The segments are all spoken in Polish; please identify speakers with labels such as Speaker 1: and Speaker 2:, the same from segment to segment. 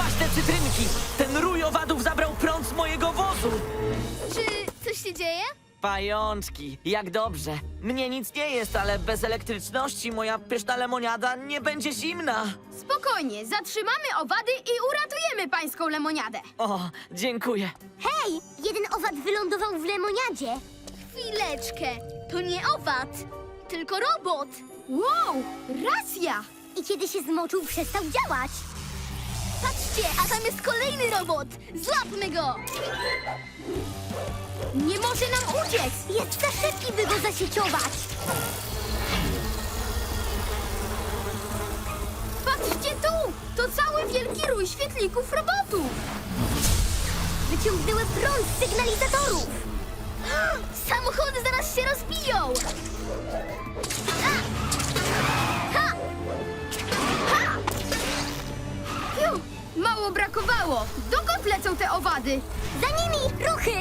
Speaker 1: Złaś te cytrynki! Ten rój owadów zabrał prąd z mojego wozu!
Speaker 2: Czy coś się dzieje?
Speaker 1: Pajączki, jak dobrze. Mnie nic nie jest, ale bez elektryczności moja pyszna lemoniada nie będzie zimna.
Speaker 2: Spokojnie, zatrzymamy owady i uratujemy pańską lemoniadę.
Speaker 1: O, dziękuję.
Speaker 3: Hej, jeden owad wylądował w lemoniadzie.
Speaker 2: Chwileczkę, to nie owad, tylko robot. Wow, racja!
Speaker 3: I kiedy się zmoczył, przestał działać.
Speaker 2: Patrzcie, a tam jest kolejny robot. Złapmy go! Nie może nam uciec!
Speaker 3: Jest za szybki, by go zasieciować.
Speaker 2: Patrzcie tu! To cały wielki rój świetlików robotów!
Speaker 3: Wyciągnęły prąd z sygnalizatorów.
Speaker 2: Samochody zaraz się rozbiją! Ha! Ha! Ha! Fiu, mało brakowało! Dokąd lecą te owady?
Speaker 3: Za nimi ruchy.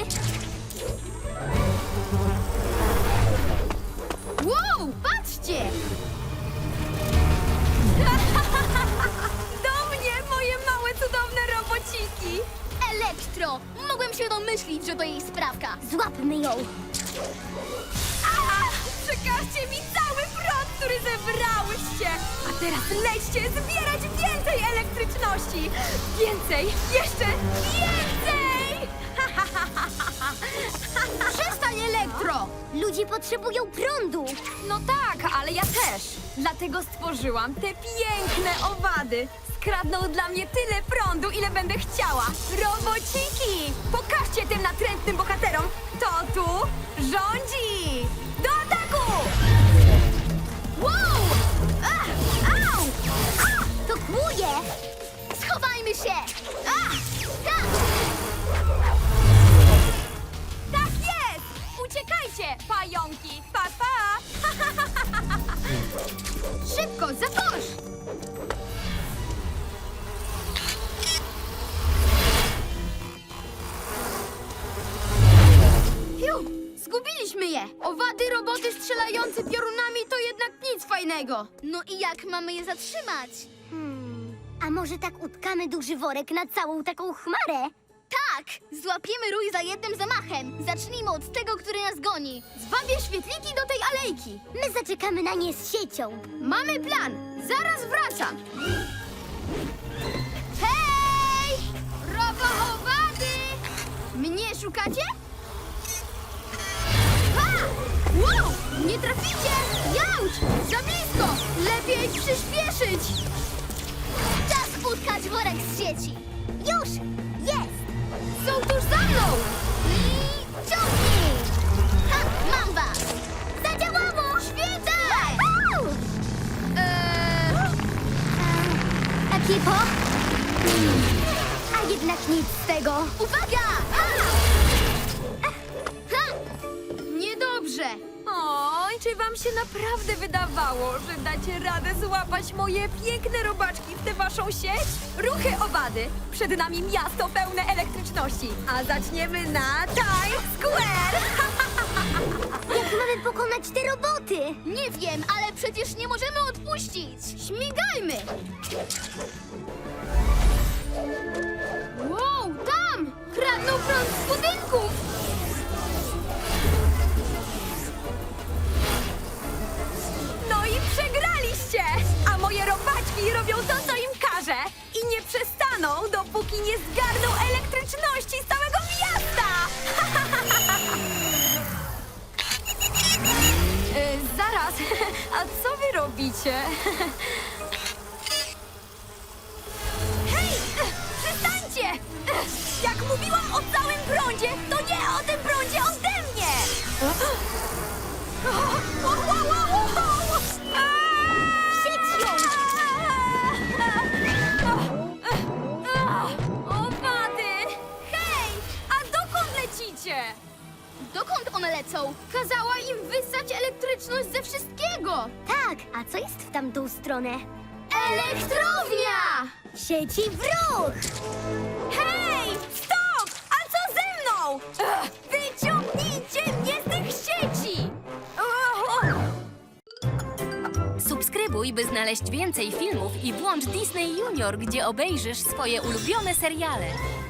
Speaker 2: Wow, patrzcie! Do mnie, moje małe, cudowne robociki! Elektro! Mogłem się domyślić, że to jej sprawka.
Speaker 3: Złapmy ją.
Speaker 2: Przekażcie mi cały prąd, który zebrałyście! A teraz lećcie zbierać więcej elektryczności! Więcej! Jeszcze więcej! Przestań, Elektro!
Speaker 3: Ludzie potrzebują prądu.
Speaker 4: No tak, ale ja też. Dlatego stworzyłam te piękne owady. Skradną dla mnie tyle prądu, ile będę chciała. Robociki! Pokażcie tym natrętnym bohaterom, kto tu rządzi! Do ataku!
Speaker 2: Wow! Au!
Speaker 3: To kłuje.
Speaker 2: Schowajmy się! Tak!
Speaker 4: Tak jest! Uciekajcie, pająki! Pa, pa!
Speaker 2: Szybko, za kosz! Fiu, zgubiliśmy je! Owady, roboty strzelające piorunami to jednak nic fajnego. No i jak mamy je zatrzymać?
Speaker 3: A może tak utkamy duży worek na całą taką chmarę?
Speaker 2: Tak! Złapiemy rój za jednym zamachem. Zacznijmy od tego, który nas goni. Zwabię świetliki do tej alejki.
Speaker 3: My zaczekamy na nie z siecią.
Speaker 2: Mamy plan! Zaraz wracam! Hej! Robochowady! Mnie szukacie? Ha! Wow! Nie traficie! Jauć! Za blisko! Lepiej przyspieszyć! Czas utkać worek z sieci!
Speaker 3: Już! Jest!
Speaker 2: Są tuż za mną! I ciągnij! Ha! Mam was!
Speaker 3: Zadziałało!
Speaker 2: Świetnie!
Speaker 3: Ekipo? A jednak nic z tego.
Speaker 2: Uwaga! Ha! Niedobrze!
Speaker 4: Oj, czy wam się naprawdę wydawało, że dacie radę złapać moje piękne robaczki w tę waszą sieć? Ruchy owady! Przed nami miasto pełne elektryczności, a zaczniemy na Times Square!
Speaker 3: Jak mamy pokonać te roboty?
Speaker 2: Nie wiem, ale przecież nie możemy odpuścić! Śmigajmy! Wow, tam! Kradną prąd z budynków!
Speaker 4: No i przegraliście! A moje robaczki robią to, co im każę i nie przestaną, dopóki nie zgarną elektryczności z całego miasta! Zaraz, a co wy robicie? Hej, przestańcie! Jak mówiłam o całym prądzie, to nie o tym prądzie ode mnie!
Speaker 3: Sieć ją!
Speaker 4: Owady! Hej! A dokąd lecicie?
Speaker 2: Dokąd one lecą? Kazała im wyssać elektryczność ze wszystkiego!
Speaker 3: Tak, a co jest w tamtą stronę?
Speaker 2: Elektrownia!
Speaker 3: Sieci w ruch!
Speaker 4: Hej! Stop! A co ze mną? Wyciągnijcie mnie z tych sieci! Subskrybuj
Speaker 5: Subskrybuj, by znaleźć więcej filmów i włącz Disney Junior, gdzie obejrzysz swoje ulubione seriale.